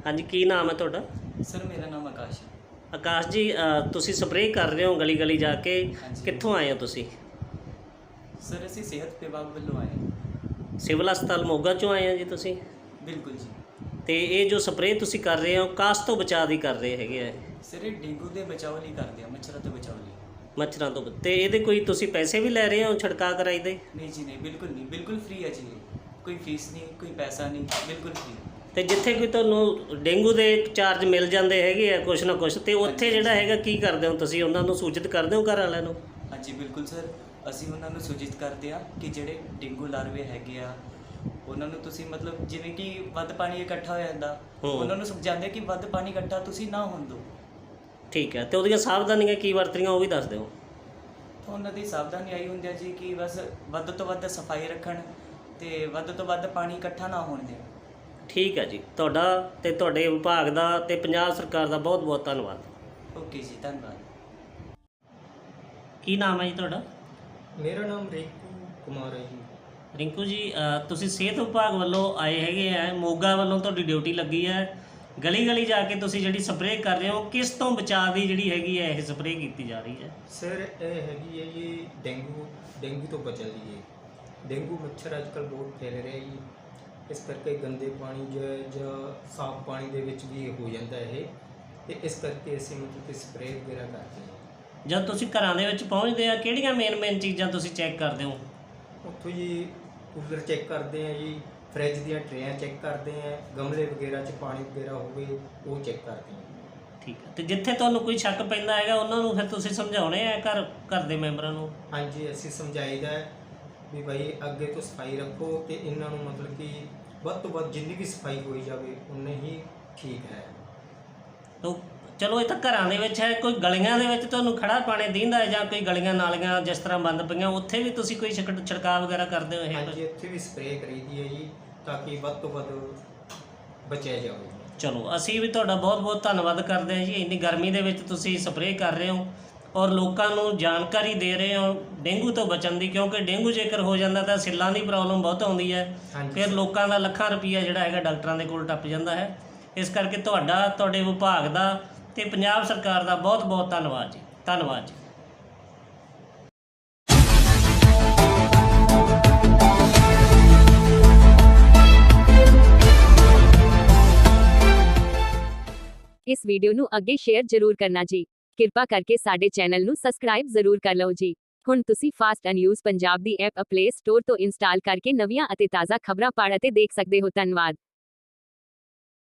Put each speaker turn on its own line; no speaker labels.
ਹਾਂਜੀ, ਕੀ ਨਾਮ ਹੈ ਤੁਹਾਡਾ?
ਸਰ ਮੇਰਾ ਨਾਮ ਆਕਾਸ਼ ਹੈ।
ਆਕਾਸ਼ ਜੀ, ਤੁਸੀਂ ਸਪਰੇਅ ਕਰ ਰਹੇ ਹੋ ਗਲੀ ਗਲੀ ਜਾ ਕੇ,
ਹਾਂਜੀ
ਕਿੱਥੋਂ ਆਏ ਹੋ ਤੁਸੀਂ?
ਸਰ ਅਸੀਂ ਸਿਹਤ ਵਿਭਾਗ ਵੱਲੋਂ ਆਏ ਹਾਂ।
ਸਿਵਲ ਹਸਪਤਾਲ ਮੋਗਾ ਚੋਂ ਆਏ ਹੋ ਜੀ ਤੁਸੀਂ?
ਬਿਲਕੁਲ ਜੀ।
ਤੇ ਇਹ ਜੋ ਸਪਰੇਅ ਤੁਸੀਂ ਕਰ ਰਹੇ ਹੋ ਕਾਸ ਤੋਂ ਬਚਾਅ ਦੀ ਕਰ ਰਹੇ ਹੈਗੇ ਆ?
ਸਰ ਇਹ ਡੇਂਗੂ ਦੇ ਬਚਾਓ ਲਈ ਕਰਦੇ ਆ, ਮੱਛਰਾਂ ਤੋਂ ਬਚਾਓ ਲਈ।
ਮੱਛਰਾਂ ਤੋਂ ਤੇ ਇਹਦੇ ਕੋਈ ਤੁਸੀਂ ਪੈਸੇ ਵੀ ਲੈ ਰਹੇ ਹੋ ਛਿੜਕਾਅ ਕਰਾਈ ਦੇ?
ਨਹੀਂ ਜੀ ਨਹੀਂ, ਬਿਲਕੁਲ ਨਹੀਂ, ਬਿਲਕੁਲ ਫ੍ਰੀ ਹੈ ਜੀ ਇਹ। ਕੋਈ ਫੀਸ ਨਹੀਂ, ਕੋਈ ਪੈਸਾ ਨਹੀਂ, ਬਿਲਕੁਲ ਫ੍ਰੀ।
ਤੇ ਜਿੱਥੇ ਕੋਈ ਤੁਹਾਨੂੰ ਡੇਂਗੂ ਦੇ ਚਾਰਜ ਮਿਲ ਜਾਂਦੇ ਹੈਗੇ ਆ ਕੁਛ ਨਾ ਕੁਛ, ਤੇ ਉੱਥੇ ਜਿਹੜਾ ਹੈਗਾ ਕੀ ਕਰਦੇ ਹੋ ਤੁਸੀਂ? ਉਹਨਾਂ ਨੂੰ ਸੂਚਿਤ ਕਰਦੇ ਹੋ ਘਰ ਵਾਲਿਆਂ ਨੂੰ?
ਹਾਂਜੀ ਬਿਲਕੁਲ ਸਰ, ਅਸੀਂ ਉਹਨਾਂ ਨੂੰ ਸੂਚਿਤ ਕਰਦੇ ਆ ਕਿ ਜਿਹੜੇ ਡੇਂਗੂ ਲਾਰਵੇ ਹੈਗੇ ਆ ਉਹਨਾਂ ਨੂੰ ਤੁਸੀਂ ਮਤਲਬ ਜਿਵੇਂ ਕਿ ਵੱਧ ਪਾਣੀ ਇਕੱਠਾ ਹੋ ਜਾਂਦਾ, ਉਹਨਾਂ ਨੂੰ ਸਮਝਾਉਂਦੇ ਕਿ ਵੱਧ ਪਾਣੀ ਇਕੱਠਾ ਤੁਸੀਂ ਨਾ ਹੋਣ ਦਿਓ।
ਠੀਕ ਹੈ, ਤੇ ਉਹਦੀਆਂ ਸਾਵਧਾਨੀਆਂ ਕੀ ਵਰਤਣੀਆਂ ਉਹ ਵੀ ਦੱਸ ਦਿਓ।
ਤਾਂ ਉਹਨਾਂ ਦੀ ਸਾਵਧਾਨੀ ਆਈ ਹੁੰਦੀ ਹੈ ਜੀ ਕਿ ਬਸ ਵੱਧ ਤੋਂ ਵੱਧ ਸਫਾਈ ਰੱਖਣ ਤੇ ਵੱਧ ਤੋਂ ਵੱਧ ਪਾਣੀ ਇਕੱਠਾ ਨਾ ਹੋਣ ਦੇਣ।
ਠੀਕ ਹੈ ਜੀ, ਤੁਹਾਡਾ ਤੇ ਤੁਹਾਡੇ ਵਿਭਾਗ ਦਾ ਤੇ ਪੰਜਾਬ ਸਰਕਾਰ ਦਾ ਬਹੁਤ ਬਹੁਤ ਧੰਨਵਾਦ।
ਓਕੇ ਜੀ, ਧੰਨਵਾਦ।
ਕੀ ਨਾਮ ਹੈ ਜੀ ਤੁਹਾਡਾ?
ਮੇਰਾ ਨਾਮ ਰਿੰਕੂ ਕੁਮਾਰ ਹੈ ਜੀ।
ਰਿੰਕੂ ਜੀ, ਤੁਸੀਂ ਸਿਹਤ ਵਿਭਾਗ ਵੱਲੋਂ ਆਏ ਹੈਗੇ ਆ, ਮੋਗਾ ਵੱਲੋਂ ਤੁਹਾਡੀ ਡਿਊਟੀ ਲੱਗੀ ਹੈ, ਗਲੀ ਗਲੀ ਜਾ ਕੇ ਤੁਸੀਂ ਜਿਹੜੀ ਸਪਰੇਅ ਕਰ ਰਹੇ ਹੋ, ਕਿਸ ਤੋਂ ਬਚਾਅ ਦੀ ਜਿਹੜੀ ਹੈਗੀ ਹੈ ਇਹ ਸਪਰੇਅ ਕੀਤੀ ਜਾ ਰਹੀ ਹੈ?
ਸਰ ਇਹ ਹੈਗੀ ਹੈ ਜੀ ਡੇਂਗੂ ਤੋਂ ਬਚਣ ਲਈ। ਡੇਂਗੂ ਮੱਛਰ ਅੱਜ ਕੱਲ੍ਹ ਬਹੁਤ ਫੈਲ ਰਿਹਾ ਜੀ, ਇਸ ਕਰਕੇ ਗੰਦੇ ਪਾਣੀ ਜਾਂ ਸਾਫ਼ ਪਾਣੀ ਦੇ ਵਿੱਚ ਵੀ ਹੋ ਜਾਂਦਾ ਇਹ, ਤੇ ਇਸ ਕਰਕੇ ਅਸੀਂ ਮਤਲਬ ਕਿ ਸਪਰੇਅ ਵਗੈਰਾ ਕਰਦੇ ਹਾਂ।
ਜਦ ਤੁਸੀਂ ਘਰਾਂ ਦੇ ਵਿੱਚ ਪਹੁੰਚਦੇ ਆ ਕਿਹੜੀਆਂ ਮੇਨ ਚੀਜ਼ਾਂ ਤੁਸੀਂ ਚੈੱਕ ਕਰਦੇ ਹੋ?
ਉੱਥੋਂ ਜੀ ਕੂਲਰ ਚੈੱਕ ਕਰਦੇ ਹਾਂ ਜੀ, ਫਰਿੱਜ ਦੀਆਂ ਟਰੇਆਂ ਚੈੱਕ ਕਰਦੇ ਹਾਂ, ਗਮਲੇ ਵਗੈਰਾ 'ਚ ਪਾਣੀ ਵਗੈਰਾ ਹੋਵੇ ਉਹ ਚੈੱਕ ਕਰਦੇ ਹਾਂ।
ਠੀਕ ਹੈ, ਤੇ ਜਿੱਥੇ ਤੁਹਾਨੂੰ ਕੋਈ ਸ਼ੱਕ ਪੈਂਦਾ ਹੈਗਾ ਉਹਨਾਂ ਨੂੰ ਫਿਰ ਤੁਸੀਂ ਸਮਝਾਉਣੇ ਆ ਘਰ ਦੇ ਮੈਂਬਰਾਂ ਨੂੰ?
ਹਾਂਜੀ, ਅਸੀਂ ਸਮਝਾਈਦਾ ਵੀ ਭਾਈ ਅੱਗੇ ਤੋਂ ਸਫਾਈ ਰੱਖੋ, ਤੇ ਇਹਨਾਂ ਨੂੰ ਮਤਲਬ ਕਿ ਵੱਧ ਤੋਂ ਵੱਧ ਜਿੰਨੀ ਵੀ ਸਫਾਈ ਹੋਈ ਜਾਵੇ ਉਨੇ ਹੀ ਠੀਕ ਹੈ।
ਤਾਂ ਚਲੋ ਇਹ ਤਾਂ ਘਰਾਂ ਦੇ ਵਿੱਚ ਹੈ, ਕੋਈ ਗਲੀਆਂ ਦੇ ਵਿੱਚ ਤੁਹਾਨੂੰ ਖੜਾ ਪਾਣੀ ਦਿੰਦਾ ਜਾਂ ਕੋਈ ਗਲੀਆਂ ਨਾਲੀਆਂ ਜਿਸ ਤਰ੍ਹਾਂ ਬੰਦ ਪਈਆਂ ਉੱਥੇ ਵੀ ਤੁਸੀਂ ਕੋਈ ਛਿੜਕਾਅ ਵਗੈਰਾ ਕਰਦੇ ਹੋ? ਇਹ
ਹਾਂਜੀ, ਇੱਥੇ ਵੀ ਸਪਰੇਅ ਕਰੀਦੀ ਹੈ ਜੀ ਤਾਂ ਕਿ ਵੱਧ ਤੋਂ ਵੱਧ ਬਚਿਆ ਜਾਵੇ।
ਚਲੋ, ਅਸੀਂ ਵੀ ਤੁਹਾਡਾ ਬਹੁਤ ਬਹੁਤ ਧੰਨਵਾਦ ਕਰਦੇ ਹਾਂ ਜੀ, ਇੰਨੀ ਗਰਮੀ ਦੇ ਵਿੱਚ ਤੁਸੀਂ ਸਪਰੇਅ ਕਰ ਰਹੇ ਹੋ ਔਰ ਲੋਕਾਂ ਨੂੰ ਜਾਣਕਾਰੀ ਦੇ ਰਹੇ ਹੋ ਡੇਂਗੂ ਤੋਂ ਬਚਣ ਦੀ, ਕਿਉਂਕਿ ਡੇਂਗੂ ਜੇਕਰ ਹੋ ਜਾਂਦਾ ਤਾਂ ਸਿੱਲਾਂ ਦੀ ਪ੍ਰੋਬਲਮ ਬਹੁਤ ਆਉਂਦੀ ਹੈ, ਫਿਰ ਲੋਕਾਂ ਦਾ ਲੱਖਾਂ ਰੁਪਈਆ ਜਿਹੜਾ ਹੈਗਾ ਡਾਕਟਰਾਂ ਦੇ ਕੋਲ ਟੱਪ ਜਾਂਦਾ ਹੈ। ਇਸ ਕਰਕੇ ਤੁਹਾਡੇ ਵਿਭਾਗ ਦਾ ਤੇ ਪੰਜਾਬ ਸਰਕਾਰ ਦਾ ਬਹੁਤ ਬਹੁਤ ਧੰਨਵਾਦ ਜੀ। ਧੰਨਵਾਦ ਜੀ।
ਇਸ ਵੀਡੀਓ ਨੂੰ ਅੱਗੇ ਸ਼ੇਅਰ ਜ਼ਰੂਰ ਕਰਨਾ ਜੀ। ਕਿਰਪਾ ਕਰਕੇ ਸਾਡੇ ਚੈਨਲ ਨੂੰ ਸਬਸਕ੍ਰਾਈਬ ਜ਼ਰੂਰ ਕਰ ਲਓ ਜੀ। ਹੁਣ ਤੁਸੀਂ ਫਾਸਟ ਨਿਊਜ਼ ਪੰਜਾਬ ਦੀ ਐਪ ਪਲੇ ਸਟੋਰ ਤੋਂ ਇੰਸਟਾਲ ਕਰਕੇ ਨਵੀਆਂ ਅਤੇ ਤਾਜ਼ਾ ਖਬਰਾਂ ਪੜ੍ਹ ਅਤੇ ਦੇਖ ਸਕਦੇ ਹੋ। ਧੰਨਵਾਦ।